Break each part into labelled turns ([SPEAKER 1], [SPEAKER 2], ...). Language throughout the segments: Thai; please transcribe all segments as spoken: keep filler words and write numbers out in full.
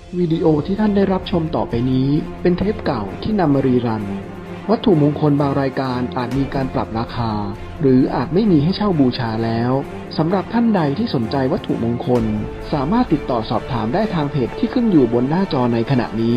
[SPEAKER 1] วิดีโอที่ท่านได้รับชมต่อไปนี้เป็นเทปเก่าที่นำมารีรัน วัตถุมงคลบางรายการอาจมีการปรับราคา หรืออาจไม่มีให้เช่าบูชาแล้วสำหรับท่านใดที่สนใจวัตถุมงคลสามารถติดต่อสอบถามได้ทางเพจที่ขึ้นอยู่บนหน้าจอในขณะนี้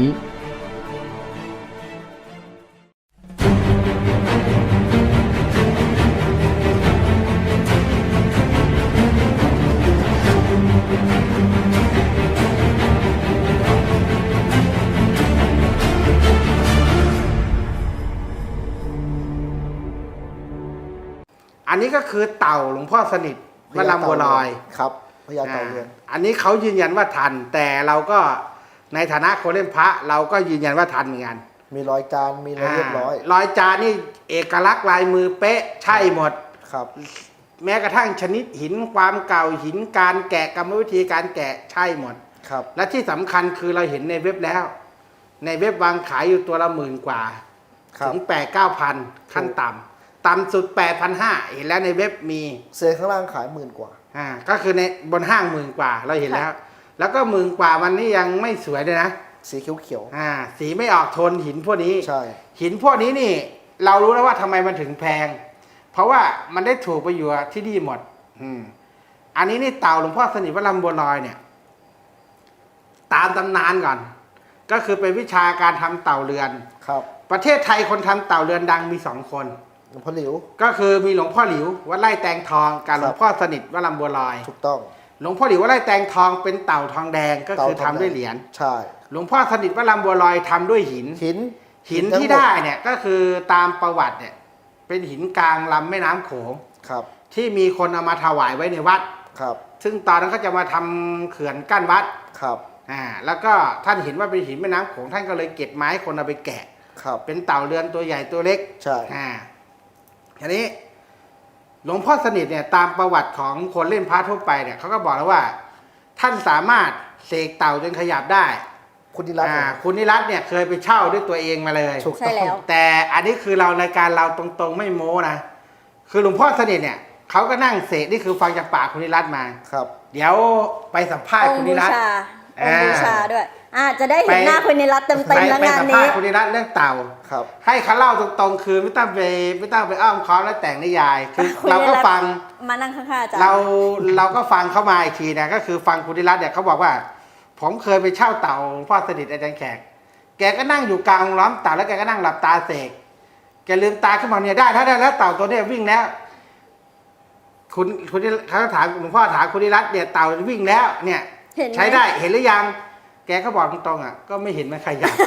[SPEAKER 2] อันนี้ก็คือเต่าหลวงพ่อสนิทวัดลำบัวลอย
[SPEAKER 3] ครับพญาเต่าเรือน
[SPEAKER 2] อันนี้เขายืนยันว่าทัน แต่เราก็ในฐานะคนเล่นพระเราก็ยืนยันว่าทันเหมือนกัน
[SPEAKER 3] มีรอยจานมีอะไรเรียบร้อย
[SPEAKER 2] รอยจานนี่เอกลักษณ์ลายมือเป๊ะใช่หมด
[SPEAKER 3] ครับ
[SPEAKER 2] แม้กระทั่งชนิดหินความเก่าหินการแกะกรรมวิธีการแกะใช่หมด
[SPEAKER 3] ครับ
[SPEAKER 2] และที่สำคัญคือเราเห็นในเว็บแล้ว ในเว็บวางขายอยู่ตัวละหมื่นกว่า
[SPEAKER 3] ครับ
[SPEAKER 2] ถึงแปดเก้าพันขั้นต่ำต่ำสุดแปดพันห้าเห็นแล้วในเว็บมี
[SPEAKER 3] เซนข้างล่างขายหมื่นกว่า
[SPEAKER 2] อ่าก็คือในบนห้างหมื่นกว่าเราเห็นแล้ว แล้วก็หมื่นกว่ามันนี่ยังไม่สวยเลยนะ
[SPEAKER 3] สีเขียว
[SPEAKER 2] อ่าสีไม่ออกโทนหินพวกนี้
[SPEAKER 3] ๆใช่
[SPEAKER 2] หินพวกนี้นี่ เรารู้แล้วว่าทำไมมันถึงแพง เพราะว่ามันได้ถูกไปอยู่ที่นี่หมด อืมอันนี้นี่เต่าหลวงพ่อสนิทวัดลำบัวลอยเนี่ย ตามตำนานก่อน ก็คือเป็นวิชาการทำเต่าเรือน
[SPEAKER 3] ครับ
[SPEAKER 2] ประเทศไทยคนทำเต่าเรือนดังมีสองคน
[SPEAKER 3] หลวงพ่อหลิว
[SPEAKER 2] ก็คือมีหลวงพ่อหลิววัดไร่แตงทองกับหลวงพ่อสนิทวัดลำบัวลอย
[SPEAKER 3] ถูกต้อง
[SPEAKER 2] หลวงพ่อหลิววัดไร่แตงทองเป็นเต่าทองแดงก็คือ
[SPEAKER 3] เต่าท
[SPEAKER 2] ทำ
[SPEAKER 3] องแดง
[SPEAKER 2] ด้วยเหรียญ
[SPEAKER 3] ใช่
[SPEAKER 2] หลวงพ่อสนิทวัดลำบัวลอยทำด้วยหิน
[SPEAKER 3] หิน
[SPEAKER 2] หิน
[SPEAKER 3] ทั้ง
[SPEAKER 2] ที่
[SPEAKER 3] หม
[SPEAKER 2] ได้เนี่ยก็คือตามประวัติเนี่ย เป็นหินกลางลำแม่น้ำโขง
[SPEAKER 3] ครับ
[SPEAKER 2] ที่มีคนเอามาถวายไว้ในวัด
[SPEAKER 3] ครับ
[SPEAKER 2] ซึ่งตอนนั้นเขาจะมาทำเขื่อนกั้นวัด
[SPEAKER 3] ครับ
[SPEAKER 2] อ่าแล้วก็ท่านเห็นว่าเป็นหินแม่น้ำโขงท่านก็เลยเก็บไม้คนเอาไปแกะ
[SPEAKER 3] ครับ
[SPEAKER 2] เป็นเต่าเรือนตัวใหญ่ตัวเล็ก
[SPEAKER 3] ใช่
[SPEAKER 2] อ่าทีนี้หลวงพ่อสนิทเนี่ยตามประวัติของคนเล่นพระทั่วไปเนี่ยเขาก็บอกแล้วว่า ท่านสามารถเสกเต่าจนขยับได้
[SPEAKER 3] คุณนิรัตน์
[SPEAKER 2] อ่าคุณนิรัตน์เนี่ยเคยไปเช่าด้วยตัวเองมาเลย
[SPEAKER 3] ถูก
[SPEAKER 4] ใช่
[SPEAKER 3] ต้อง
[SPEAKER 4] แล้ว
[SPEAKER 2] แต่อันนี้คือเรารายการเราตรงๆไม่โม้นะคือหลวงพ่อสนิทเนี่ยเขาก็นั่งเสกนี่คือฟังจากปากคุณนิรัตน์มา
[SPEAKER 3] ครับ
[SPEAKER 2] เดี๋ยวไปสัมภาษ
[SPEAKER 4] อ
[SPEAKER 2] ณ์
[SPEAKER 4] ง
[SPEAKER 2] คุณ
[SPEAKER 4] ค์
[SPEAKER 2] นิ
[SPEAKER 4] บู
[SPEAKER 2] รัตน์
[SPEAKER 4] ชา
[SPEAKER 2] อ่า
[SPEAKER 4] องค์บูชาด้วยอ่าจะได้เห็น
[SPEAKER 2] ไป
[SPEAKER 4] หน้าคุณนิรัตน์เต็ม
[SPEAKER 2] ไป
[SPEAKER 4] ๆแล้ว
[SPEAKER 2] ไป
[SPEAKER 4] งาน
[SPEAKER 2] สัมภา
[SPEAKER 4] นี้
[SPEAKER 2] ษณ์คุณนิรัตน์เรื่องเต่า
[SPEAKER 3] ครับ
[SPEAKER 2] ให้เขาเล่าตรงๆคือไม่ต้องไปไม่ต้องไปอ้อมค้อมแล้วแต่งนิยาย คือ
[SPEAKER 4] คุณ
[SPEAKER 2] เราก็
[SPEAKER 4] นิรัตน์
[SPEAKER 2] ฟัง
[SPEAKER 4] มานั่งข้างๆอาจารย์
[SPEAKER 2] เราเราก็ฟังเข้ามาอีกทีนะก็คือฟังคุณนิรัตน์เนี่ยเขาบอกว่า ผมเคยไปเช่าเต่าหลวงพ่อสนิทอาจารย์แขก แกก็นั่งอยู่กลางล้อมเต่าแล้วแกก็นั่งหลับตาเสกแกลืมตาขึ้นมาเนี่ยได้ถ้าได้แล้วเต่าตัวเนี้ยวิ่งแล้ว คุณคุณเขาถามหลวงพ่อถามคุณนิรัตน์เนี่ยเต่าวิ่งแล้ว เนี่ย
[SPEAKER 4] เห็นไหม
[SPEAKER 2] ใช้ได้เห็นหรือยัง แกก็บอกตรงๆอ่ะก็ไม่เห็นมันขยับ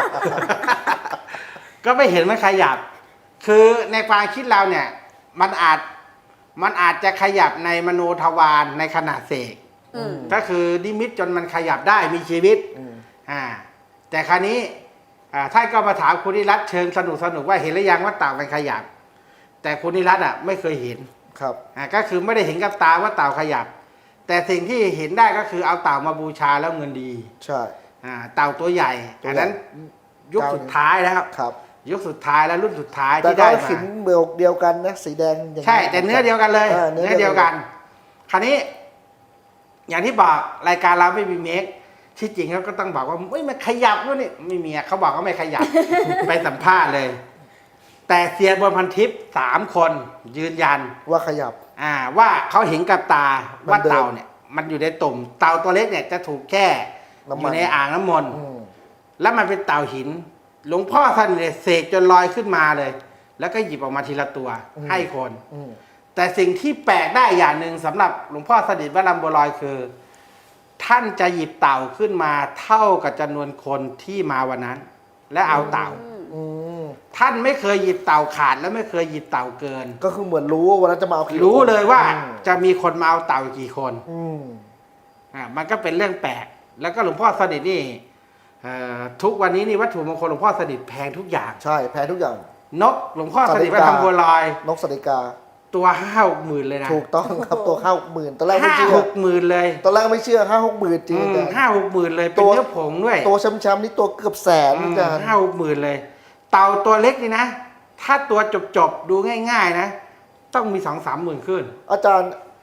[SPEAKER 2] ก็ไม่เห็นมันขยับ คือในความคิดเราเนี่ย มันอาจมันอาจจะขยับในมโนทวารในขณะเสก
[SPEAKER 4] อืม
[SPEAKER 2] ก็คือนิมิตจนมันขยับได้มีชีวิต
[SPEAKER 3] อืม
[SPEAKER 2] อ่าแต่คราวนี้อ่าท่านก็มาถามคุณนิรัตน์เชิงสนุกสนุกว่าเห็นหรือยังว่าเต่ามันขยับ แต่คุณนิรัตน์อ่ะไม่เคยเห็น
[SPEAKER 3] ครับ
[SPEAKER 2] อ่าก็คือไม่ได้เห็นกับตาว่าเต่าขยับ แต่สิ่งที่เห็นได้ก็คือเอาเต่ามาบูชาแล้วเงินดี
[SPEAKER 3] ใช่
[SPEAKER 2] อ่าเต่าตัวใหญ่
[SPEAKER 3] ตัวใหญ่
[SPEAKER 2] อันนั้นยุคสุดท้ายแล้ว
[SPEAKER 3] ครับ
[SPEAKER 2] ยุคสุดท้ายแล้วรุ่นสุดท้าย
[SPEAKER 3] แต่
[SPEAKER 2] ที่
[SPEAKER 3] ก็
[SPEAKER 2] ได้มา
[SPEAKER 3] หินเบลเดียวกันนะสีแดงอย่าง
[SPEAKER 2] ใช่แต่เนื้อเดียวกันเลย
[SPEAKER 3] ออ
[SPEAKER 2] เนื้อเดียวกัน คราวนี้ อย่างที่บอกรายการเราไม่มีเมคที่จริงเขาก็ต้องบอกว่าไม่มันขยับด้วยนี่ไม่มีอะเขาบอกว่าไม่ขยับ ไปสัมภาษณ์เลย แต่เซียนบนพันทิปสามคนยืนยัน
[SPEAKER 3] ว่าขยับ
[SPEAKER 2] อ่าว่าเขาเห็นกับตา
[SPEAKER 3] มัน
[SPEAKER 2] ว่า
[SPEAKER 3] เดิน
[SPEAKER 2] เต่าเนี่ย มันอยู่ในตุ่มเต่าตัวเล็กเนี่ยจะถูกแช่
[SPEAKER 3] น้ำ
[SPEAKER 2] อ
[SPEAKER 3] มัน
[SPEAKER 2] ยู่ในอ่างน้ำมนต์
[SPEAKER 3] อืม
[SPEAKER 2] แล้วมันเป็นเต่าหิน หลวงพ่อท่านเนี่ยเสกจนลอยขึ้นมาเลย แล้วก็หยิบออกมาทีละตัวให้คน
[SPEAKER 3] อืม
[SPEAKER 2] แต่สิ่งที่แปลกได้อย่างหนึ่งสำหรับหลวงพ่อสนิทวัดลำบัวลอยคือ ท่านจะหยิบเต่าขึ้นมาเท่ากับจำนวนคนที่มาวันนั้น และเอาเต่า
[SPEAKER 3] อืม
[SPEAKER 2] ท่านไม่เคยหยิบเต่าขาดและไม่เคยหยิบเต่าเกิน
[SPEAKER 3] ก็คือเหมือนรู้ว่าวันนั้นจะมาเอากี่
[SPEAKER 2] รู้เลยว่า
[SPEAKER 3] อืม
[SPEAKER 2] จะมีคนมาเอาเต่ากี่คน
[SPEAKER 3] อืม
[SPEAKER 2] อ่ามันก็เป็นเรื่องแปลกแล้วก็หลวงพ่อสนิทนี่เอ่อทุกวันนี้นี่วัตถุมงคลหลวงพ่อสนิทแพงทุกอย่าง
[SPEAKER 3] ใช่แพ้ทุกอย่าง
[SPEAKER 2] นกหลวงพ่อสนิทวัดลำบัวลอย
[SPEAKER 3] นกสติกา
[SPEAKER 2] ตัวห้าหกหมื่นเลยนะ
[SPEAKER 3] ถูกต้องครับตัวห้าหกหมื่นตอนแรกไม่
[SPEAKER 2] ห้า
[SPEAKER 3] เชื่อ
[SPEAKER 2] หกหมื่นเลย
[SPEAKER 3] ตอนแรกไม่เชื่อห้าหกหมื่นจริง
[SPEAKER 2] อืม
[SPEAKER 3] อาจารย์
[SPEAKER 2] ห้าหกหมื่นเลยเป็น
[SPEAKER 3] ตัว
[SPEAKER 2] เนื้อผงด้วย
[SPEAKER 3] ตัวช้ำๆนี่ตัวเกือบแสนอาจารย์
[SPEAKER 2] ห้าหกหมื่นเลย เต่าตัวเล็กนี่นะ ถ้าตัวจบๆ ดูง่ายๆนะ ต้องมีสองสามหมื่นขึ้น
[SPEAKER 3] อาจารย์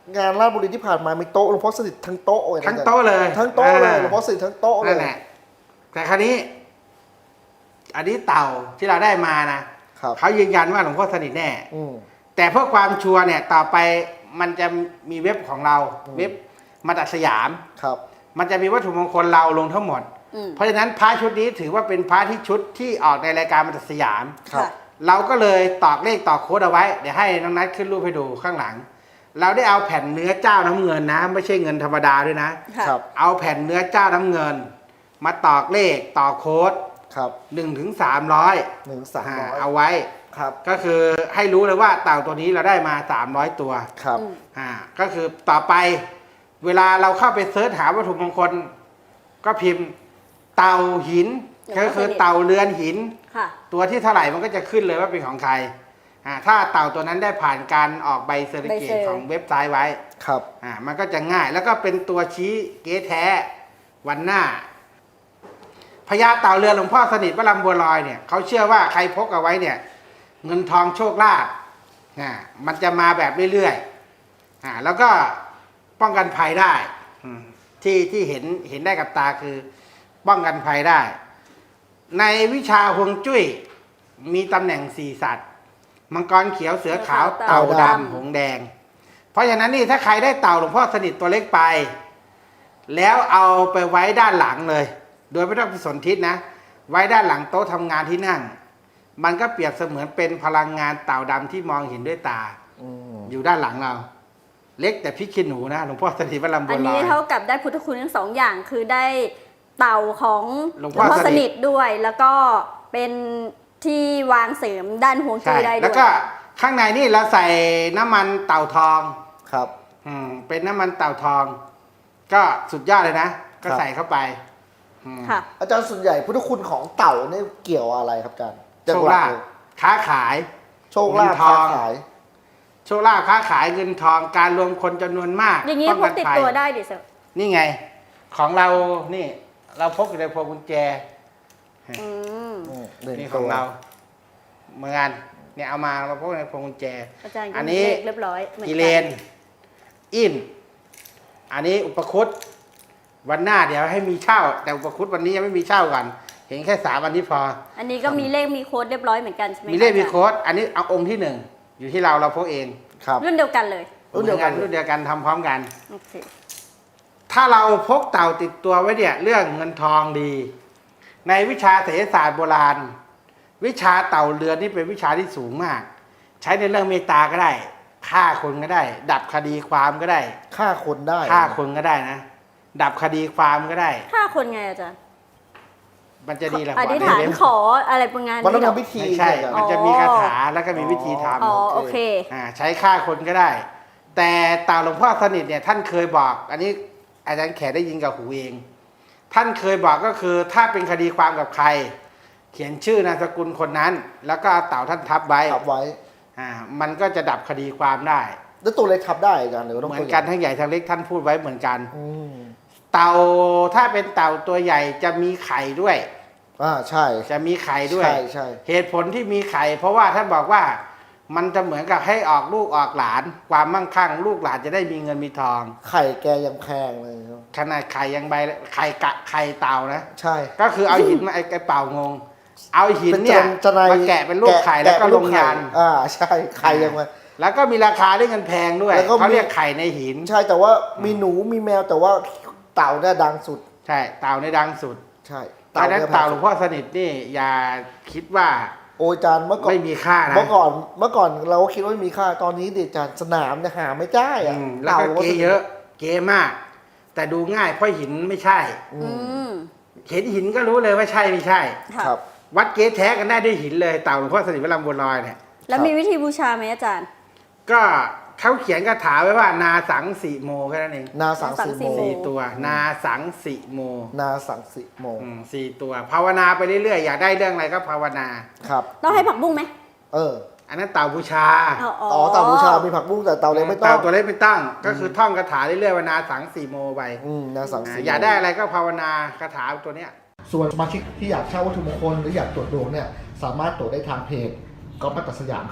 [SPEAKER 3] งานราชบุรีที่ผ่านมามีโต๊ะหลวงพ่อสนิททั้งโต๊ะเลยนะ
[SPEAKER 2] ทั้งโต๊ะเลย
[SPEAKER 3] ทั้งโต๊ะเลย
[SPEAKER 2] อ่า
[SPEAKER 3] หลวงพ่อสนิททั้งโต๊ะเล
[SPEAKER 2] นั่
[SPEAKER 3] ย
[SPEAKER 2] นแหละแต่คราวนี้ อันนี้เต่าที่เราได้มานะครับ เขายืนยันว่าหลวงพ่อสนิทแน่
[SPEAKER 3] อืม
[SPEAKER 2] แต่เพื่อความชัวร์เนี่ย ต่อไปมันจะมีเว็บของเรา
[SPEAKER 3] อืม
[SPEAKER 2] เว็บมาตัดสยาม
[SPEAKER 3] ครับ
[SPEAKER 2] มันจะมีวัตถุมงคลเราลงทั้งหมด
[SPEAKER 4] อืม
[SPEAKER 2] เพราะฉะนั้นพระชุดนี้ถือว่าเป็นพระที่ชุดที่ออกในรายการมาตัดสยาม
[SPEAKER 3] ครับ
[SPEAKER 4] ค่ะ
[SPEAKER 2] เราก็เลยตอกเลขตอกโค้ดเอาไว้ เดี๋ยวให้น้องนัทขึ้นรูปให้ดูข้างหลัง เราได้เอาแผ่นเนื้อเจ้าน้ำเงินนะ ไม่ใช่เงินธรรมดาด้วยนะ
[SPEAKER 4] ค่ะ
[SPEAKER 3] ครับ
[SPEAKER 2] เอาแผ่นเนื้อเจ้าน้ำเงิน มาตอกเลขตอกโค้ด
[SPEAKER 3] ครับ
[SPEAKER 2] หนึ่งถึงสามร้อย
[SPEAKER 3] หนึ่งสามร้อย
[SPEAKER 2] เอาไว้
[SPEAKER 3] ครับ
[SPEAKER 2] ก็คือให้รู้เลยว่าเต่าตัวนี้เราได้มาสามร้อยตัว
[SPEAKER 3] ครับ
[SPEAKER 4] อืม
[SPEAKER 2] อ่าก็คือต่อไปเวลาเราเข้าไปเสิร์ชหาวัตถุมงคล ก็พิมพ์เต่าหิน
[SPEAKER 4] หลวงพ่อ
[SPEAKER 2] ก็คือ
[SPEAKER 4] สนิท
[SPEAKER 2] เต่าเรือนหิน
[SPEAKER 4] ค่ะ
[SPEAKER 2] ตัวที่เท่าไหร่มันก็จะขึ้นเลยว่าเป็นของใครอ่าถ้าเต่าตัวนั้นได้ผ่านการออกใบเซอร์ติฟิเค
[SPEAKER 4] ใบเซอ
[SPEAKER 2] ต
[SPEAKER 4] ร์
[SPEAKER 2] ของเว็บไซต์ไว้
[SPEAKER 3] ครับ
[SPEAKER 2] อ่ามันก็จะง่ายแล้วก็เป็นตัวชี้เก๊แท้วันหน้าพญาเต่าเรือนหลวงพ่อสนิทวัดลำบัวลอยเนี่ยเขาเชื่อว่าใครพกเอาไว้เนี่ย เงินทองโชคลาภอ่ามันจะมาแบบเรื่อยๆอ่าแล้วก็ป้องกันภัยได้อืมที่ที่เห็นเห็นได้กับตาคือป้องกันภัยได้ ในวิชาฮวงจุ้ยมีตำแหน่งสี่สัตว์ มังกรเขียวเสือขาว
[SPEAKER 4] เต่า
[SPEAKER 2] เต่า
[SPEAKER 4] ดำ
[SPEAKER 2] ดำหงส์แดง เพราะฉะนั้นนี่ถ้าใครได้เต่าหลวงพ่อสนิทตัวเล็กไป แล้วเอาไปไว้ด้านหลังเลย โดยไม่ต้องไปสนทิศนะ ไว้ด้านหลังโต๊ะทำงานที่นั่ง มันก็เปรียบเสมือนเป็นพลังงานเต่าดำที่มองเห็นด้วยตา
[SPEAKER 3] อืม
[SPEAKER 2] อยู่ด้านหลังเรา เล็กแต่พริกขี้หนูนะหลวงพ่อสนิทวัดลำบั
[SPEAKER 4] อั
[SPEAKER 2] วน ลอ
[SPEAKER 4] นี้
[SPEAKER 2] ย
[SPEAKER 4] เท่ากับได้พุทธคุณทั้งสองอย่างคือได้เต่าของ
[SPEAKER 2] หลวงพ่อ
[SPEAKER 4] สนิทด้วย แล้วก็เป็นที่วางเสริมด้านฮวงจุ้
[SPEAKER 2] ใช่
[SPEAKER 4] ยได้
[SPEAKER 2] แล้
[SPEAKER 4] ด้
[SPEAKER 2] ว
[SPEAKER 4] วย
[SPEAKER 2] ก็ข้างในนี่เราใส่น้ำมันเต่าทอง
[SPEAKER 3] ครับ
[SPEAKER 2] อืมเป็นน้ำมันเต่าทอง ก็สุดยอดเลยนะ ก็
[SPEAKER 3] ครับ
[SPEAKER 2] ใส่เข้าไปอืม
[SPEAKER 4] ค่ะ
[SPEAKER 3] อาจารย์ส่วนใหญ่พุทธคุณของเต่าเนี่ยเกี่ยวอะไรครับอาจารย์
[SPEAKER 2] โชคลาภ
[SPEAKER 3] เลย
[SPEAKER 2] ค้าขาย
[SPEAKER 3] โชคลาภ
[SPEAKER 2] เงินท
[SPEAKER 3] ค้า
[SPEAKER 2] อง
[SPEAKER 3] ขาย
[SPEAKER 2] โชคลาภค้าขายเงินทองการรวมคนจำนวนมาก
[SPEAKER 4] อย่างนี้
[SPEAKER 2] ป้
[SPEAKER 4] พกติด
[SPEAKER 2] ภัย
[SPEAKER 4] ตัวได้ดิเซล
[SPEAKER 2] นี่ไง ของเรานี่ เราพกอยู่ในพวงกุญแจ
[SPEAKER 4] อืม
[SPEAKER 3] อืมหนึ่ง
[SPEAKER 2] นี่ข
[SPEAKER 3] ตั
[SPEAKER 2] อง
[SPEAKER 3] ว
[SPEAKER 2] เราเหมือนกันเนี่ยเอามาเราพกในพวงกุญแจ
[SPEAKER 4] อาจารย์
[SPEAKER 2] อั
[SPEAKER 4] ก็
[SPEAKER 2] น
[SPEAKER 4] มี
[SPEAKER 2] นี้
[SPEAKER 4] เลขเรียบร้อยเหมือน
[SPEAKER 2] กิ
[SPEAKER 4] กั
[SPEAKER 2] เลน อิน อันนี้อุปคุตวันหน้าเดี๋ยวให้มีเช่า แต่อุปคุตวันนี้ยังไม่มีเช่ากัน เห็นแค่สามวันนี้พอ
[SPEAKER 4] อันนี้ก็มีเลขมีโค้ดเรียบร้อยเหมือนกันใช่ไหม
[SPEAKER 2] มีเลข
[SPEAKER 4] ะ
[SPEAKER 2] มี
[SPEAKER 4] อาจารย์
[SPEAKER 2] โค้ด อันนี้เอาองค์ที่หนึ่งอยู่ที่เราเราพกเอง
[SPEAKER 3] ครับ
[SPEAKER 4] รุ่นเดียวกันเลย
[SPEAKER 3] รุ่นเดียวกัน
[SPEAKER 2] รุ่นเดียวกันทำพร้อมกัน
[SPEAKER 4] โอเค
[SPEAKER 2] ถ้าเราพกเต่าติดตัวไว้เนี่ย เรื่องเงินทองดี ในวิชาเศรษฐศาสตร์โบราณ วิชาเต่าเรือนนี่เป็นวิชาที่สูงมาก ใช้ในเรื่องเมตตาก็ได้ฆ่าคนก็ได้ ดับคดีความก็ได้
[SPEAKER 3] ฆ่าคนได้
[SPEAKER 2] ฆ่าคนก็ได้นะ ดับคดีความก็ได้
[SPEAKER 4] ถ้าคนไงอาจารย์
[SPEAKER 2] มันจะดีแหละ
[SPEAKER 4] อธิษฐาน
[SPEAKER 2] เล่ม
[SPEAKER 4] ขออะไรประมาณ
[SPEAKER 3] มันต้อง
[SPEAKER 4] นี้เหรอ
[SPEAKER 3] ทำพิธี
[SPEAKER 2] ไม่ใช่
[SPEAKER 3] อาจารย์
[SPEAKER 2] มันจะมีคาถาแล้วก็มีวิธีทำ
[SPEAKER 4] อ๋อโอเค
[SPEAKER 2] อ่าใช้ฆ่าคนก็ได้ แต่เต่าหลวงพ่อสนิทเนี่ยท่านเคยบอก อันนี้อาจารย์แขกได้ยินกับหูเอง ท่านเคยบอกก็คือถ้าเป็นคดีความกับใคร เขียนชื่อนามสกุลคนนั้น แล้วก็เอาเต่าท่านทับไว้
[SPEAKER 3] ทับไว้
[SPEAKER 2] อ่ามันก็จะดับคดีความได้
[SPEAKER 3] แล้วตัวเล็กทับได้อาจารย์หรือว่าต้อง
[SPEAKER 2] เหมือน
[SPEAKER 3] ตัว
[SPEAKER 2] กัน
[SPEAKER 3] ใหญ่
[SPEAKER 2] ทั้งใหญ่ทั้งเล็กท่านพูดไว้เหมือนกัน
[SPEAKER 3] อืม
[SPEAKER 2] เต่าถ้าเป็นเต่าตัวใหญ่จะมีไข่ด้วย
[SPEAKER 3] อ่าใช่
[SPEAKER 2] จะมีไข่ด้วย
[SPEAKER 3] ใช่ใช่
[SPEAKER 2] เหตุผลที่มีไข่ เพราะว่าท่านบอกว่ามันจะเหมือนกับให้ออกลูกออกหลาน ความมั่งคั่งลูกหลานจะได้มีเงินมีทอง
[SPEAKER 3] ไข่แกยังแพงเลยครับ
[SPEAKER 2] ขนาดไข่ยังใบไข่กะไข่เต่านะ
[SPEAKER 3] ใช่
[SPEAKER 2] ก็คือเอาหินมาไอ้ไอ้เป่างง เอาหิน
[SPEAKER 3] เป็น
[SPEAKER 2] เนี่ย
[SPEAKER 3] จะนาย
[SPEAKER 2] มาแกะเป็นลูกไข่แล้วก็
[SPEAKER 3] ะ
[SPEAKER 2] ล
[SPEAKER 3] เป็น
[SPEAKER 2] ง
[SPEAKER 3] ไข่
[SPEAKER 2] ยัน
[SPEAKER 3] อ่าใช่ไข่ยังมา
[SPEAKER 2] แล้วก็มีราคาด้วยเงินแพงด้วย
[SPEAKER 3] แล้วก็มี
[SPEAKER 2] เขาเรียกไข่ในหิน
[SPEAKER 3] ใช่แต่ว่ามีหนูมีแมวแต่ว่าเต่าเนี่ยดังสุด
[SPEAKER 2] ใช่เต่าในดังสุด
[SPEAKER 3] ใช่
[SPEAKER 2] ตอนนั้น
[SPEAKER 3] นี่ย
[SPEAKER 2] เต่าหลวงพ่อสนิทนี่อย่าคิดว่า
[SPEAKER 3] โอ้ยอาจารย์เมื่อก่อน
[SPEAKER 2] ไม่มีค่านะ
[SPEAKER 3] เมื่อก่อนเมื่อก่อนเราก็คิดว่าไม่มีค่าตอนนี้เด็กอาจารย์สนามเนี่ยหาไม่ได้อะ
[SPEAKER 2] อืมแล้วก็เกเยอะ เกมาก แต่ดูง่ายเพราะหินไม่ใช่
[SPEAKER 3] อื
[SPEAKER 4] อื
[SPEAKER 3] ม
[SPEAKER 4] ม
[SPEAKER 2] เห็นหินก็รู้เลยว่าใช่ไม่ใช่
[SPEAKER 4] ค่ะ
[SPEAKER 3] ครับ
[SPEAKER 2] วัดเกแท้กันได้ด้วยหินเลยเต่าหลวงพ่อสนิทวัดลำบัวลอยเนี่ย
[SPEAKER 4] แล้วมีวิธีบูชาไหมอาจารย์
[SPEAKER 2] ก็เขาเขียนคาถาไว้ว่านาสังสีโมแค่นั้นเอง
[SPEAKER 3] นาสังสี
[SPEAKER 4] นาสังสี
[SPEAKER 3] โม
[SPEAKER 4] โม
[SPEAKER 2] สี่ตัว นาสังสีโม
[SPEAKER 3] นาสังสีโม
[SPEAKER 2] อืมสี่ตัว ภาวนาไปเรื่อยๆอยากได้เรื่องอะไรก็ภาวนา
[SPEAKER 3] ครับ
[SPEAKER 4] ต้องให้ผักบุ้งไหม
[SPEAKER 3] เออ
[SPEAKER 2] อันนั้นเต่าบูชา
[SPEAKER 4] อ๋อ
[SPEAKER 3] อ๋อเต่าบูชามีผักบุ้งแต่เต่าเล็กไม่ต้อ
[SPEAKER 2] เต่าง ตัวเล็กไม่ตั้งก็คือท่องคาถาเรื่อยๆว่านาสังสีโมไป
[SPEAKER 3] อืมนาสังสี
[SPEAKER 2] อ่าอยากได้อะไรก็ภาวนาคาถาตัวเนี้ย
[SPEAKER 3] ส่วนสมาชิกที่อยากเช่าวัตถุมงคลหรืออยากตรวจดวงเนี่ยสามารถตรวจได้ทางเพจก๊อฟมัตตสยามครับ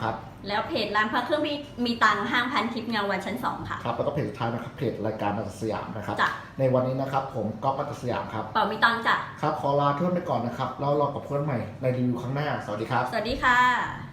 [SPEAKER 4] แล้วเพจร้านพระเครื่องมีมีตังห้างพันทิพย์เงาวันชั้นสองค่ะ
[SPEAKER 3] ครับแล้วก็เพจสุดท้ายนะครับเพจรายการนัตสยามนะครับ
[SPEAKER 4] จ้ะ
[SPEAKER 3] ในวันนี้นะครับผมก๊อฟนัตสยามครับ
[SPEAKER 4] เป่ามีตังจ้ะ
[SPEAKER 3] ครับขอลาเพื่อนไปก่อนนะครับแล้วรอกับเพื่อนใหม่ในรีวิวครั้งหน้าสวัสดีครับ
[SPEAKER 4] สวัสดีค่ะ